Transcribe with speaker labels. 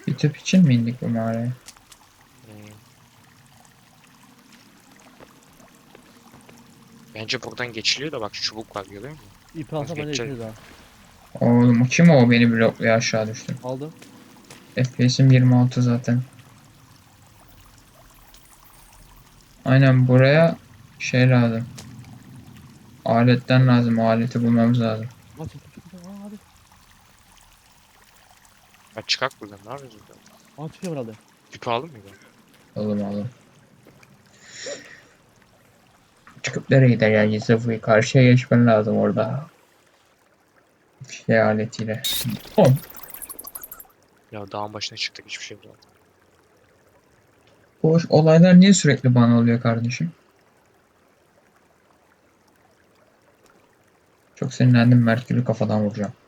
Speaker 1: Bir tüp için mi indik bu mağaraya?
Speaker 2: Hmm. Bence buradan geçiliyor da bak şu çubuk var görüyor musun?
Speaker 3: İpi
Speaker 2: Nasıl
Speaker 3: alsa bence
Speaker 2: geçeceğiz?
Speaker 3: geçeriz ha.
Speaker 1: Oğlum o kim o beni blokluyor aşağı düştüm.
Speaker 3: Aldım.
Speaker 1: FPS'im 26 zaten. Aynen buraya şey lazım. Aletten lazım. O aleti bulmamız lazım.
Speaker 3: Lan çık. Aa hadi.
Speaker 2: Ya çıkak buradan ne yapıyoruz burada?
Speaker 3: Aa çıkıyor herhalde.
Speaker 2: Tüpü aldın mı?
Speaker 1: Oğlum. Çıkıp nereye gideceğiz Sıfır'ı? Karşıya geçmen lazım orada. Şey aletiyle. Oğlum
Speaker 2: Ya dağın başına çıktık hiçbir şey bulamadım.
Speaker 1: bu olaylar niye sürekli bana oluyor kardeşim? Çok sinirlendim. Merkür'ü kafadan vuracağım.